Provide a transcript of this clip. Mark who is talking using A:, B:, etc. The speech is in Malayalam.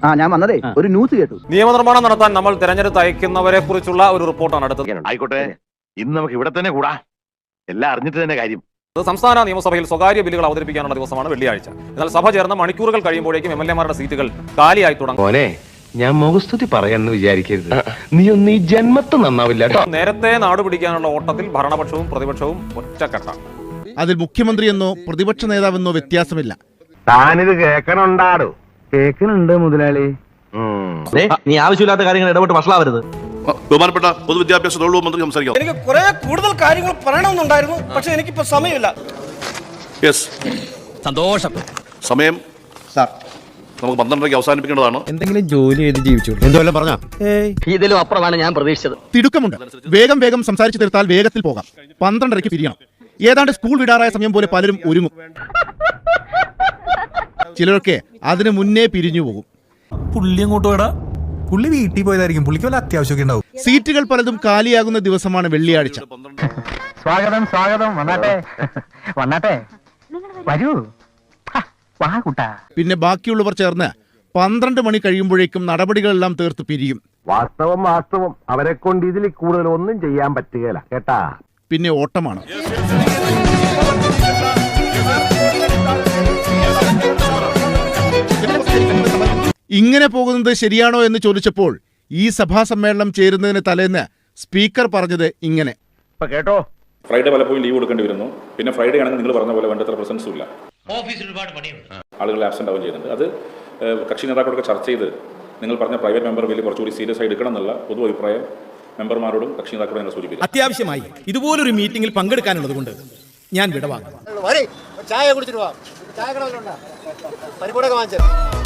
A: ഞാൻ വന്നതേ ഒരു ന്യൂസ് കേട്ടു.
B: നിയമനിർമ്മാണം നടത്താൻ നമ്മൾ തെരഞ്ഞെടുത്ത് അയക്കുന്നവരെ കുറിച്ചുള്ള ഒരു റിപ്പോർട്ടാണ് അടുത്തത്.
C: ആയിക്കോട്ടെ, ഇന്ന് നമുക്ക് ഇവിടെ തന്നെ കൂടാ, എല്ലാം അറിഞ്ഞിട്ട് തന്നെ കാര്യം.
B: സംസ്ഥാന നിയമസഭയിൽ സ്വകാര്യ ബില്ലുകൾ അവതരിപ്പിക്കാനുള്ള ദിവസമാണ് വെള്ളിയാഴ്ച. എന്നാൽ സഭ ചേർന്ന മണിക്കൂറുകൾ കഴിയുമ്പോഴേക്കും MLA-മാരുടെ സീറ്റുകൾ കാലിയായി തുടങ്ങും.
D: ഞാൻ മുഖസ്തുതി പറയാന്ന് വിചാരിക്കരുത്, നീ ഒന്ന് ഈ ജന്മത്ത് നന്നാവില്ല കേട്ടോ.
B: നേരത്തെ നാടുപിടിക്കാനുള്ള ഓട്ടത്തിൽ ഭരണപക്ഷവും പ്രതിപക്ഷവും ഒറ്റക്കെട്ടാണ്.
E: അതിൽ മുഖ്യമന്ത്രിയെന്നോ പ്രതിപക്ഷ നേതാവെന്നോ വ്യത്യാസമില്ല.
C: താനിത് കേൾക്കണുണ്ടാടോ? കേൾക്കണുണ്ട് മുതലാളി.
D: നീ ആവശ്യമില്ലാത്ത കാര്യങ്ങൾ ഇടപെട്ട് വഷളാവരുത്.
F: ബഹുമാനപ്പെട്ട പൊതുവിദ്യാഭ്യാസ തൊഴിൽ മന്ത്രി സംസാരിക്കാം.
G: എനിക്ക് കുറെ കൂടുതൽ കാര്യങ്ങൾ പറയണമെന്നുണ്ടായിരുന്നു, പക്ഷെ എനിക്കിപ്പോ സമയമില്ല.
F: സന്തോഷം. സമയം നമുക്ക് 12:30 അവസാനിപ്പിക്കേണ്ടതാണ്.
E: എന്തെങ്കിലും ജോലി ചെയ്ത് ജീവിച്ചു എന്തോല്ലാം പറഞ്ഞ
D: ഇതിലും അപ്പുറമാണ് ഞാൻ പ്രതീക്ഷിച്ചത്.
E: തിടുക്കമുണ്ട്. വേഗം സംസാരിച്ചു തീർത്താൽ വേഗത്തിൽ പോകാം. 12:30 പിരിയണം. ഏതാണ്ട് സ്കൂൾ വിടാറായ സമയം പോലെ പലരും ഒരുങ്ങും. ചിലരൊക്കെ അതിനു മുന്നേ പിരിഞ്ഞു പോകും.
H: പുള്ളി അങ്ങോട്ട് പോയടാ, പുള്ളി വീട്ടിൽ പോയതായിരിക്കും, പുള്ളിക്ക് വല്ല അത്യാവശ്യമൊക്കെ ഉണ്ടാവും.
E: സീറ്റുകൾ പലതും കാലിയാകുന്ന ദിവസമാണ് വെള്ളിയാഴ്ച.
A: സ്വാഗതം വന്നാട്ടെ വരൂ.
E: പിന്നെ ബാക്കിയുള്ളവർ ചേർന്ന് 12 മണി കഴിയുമ്പോഴേക്കും നടപടികളെല്ലാം തീർത്ത് പിരിയും.
C: വാസ്തവം അവരെ കൊണ്ട് ഇതിൽ കൂടുതൽ ഒന്നും ചെയ്യാൻ പറ്റുകയില്ല കേട്ടാ.
E: പിന്നെ ഓട്ടമാണ്. ഇങ്ങനെ പോകുന്നത് ശരിയാണോ എന്ന് ചോദിച്ചപ്പോൾ ഈ സഭാ സമ്മേളനം ചേരുന്നതിന് തലേന്ന് സ്പീക്കർ പറഞ്ഞത് ഇങ്ങനെ.
C: കേട്ടോ,
I: ഫ്രൈഡേ പലപ്പോഴും ലീവ് കൊടുക്കേണ്ടി വരുന്നു. പിന്നെ ഫ്രൈഡേ ആണെങ്കിൽ നിങ്ങൾ പറഞ്ഞ പോലെ വേണ്ടത്ര പ്രസൻസും ഇല്ല, ആളുകൾ ആബ്സെന്റ് ആവുകയും ചെയ്യുന്നുണ്ട്. അത് കക്ഷി നേതാക്കളൊക്കെ ചർച്ച ചെയ്ത് നിങ്ങൾ പറഞ്ഞ പ്രൈവറ്റ് മെമ്പർ ബില്ല് കുറച്ചുകൂടി സീരിയസ് ആയി എടുക്കണം എന്നുള്ള പൊതു അഭിപ്രായം മെമ്പർമാരോടും കക്ഷി നേതാക്കളോടും ഞങ്ങൾ സൂചിപ്പിച്ചു.
H: അത്യാവശ്യമായി ഇതുപോലൊരു മീറ്റിംഗിൽ പങ്കെടുക്കാനുള്ളത് കൊണ്ട് ഞാൻ വിടവാങ്ങും.
G: ചായ കുടിച്ചിട്ട് പോവാം. ചായ കട പരിപാടി വാങ്ങിച്ചു.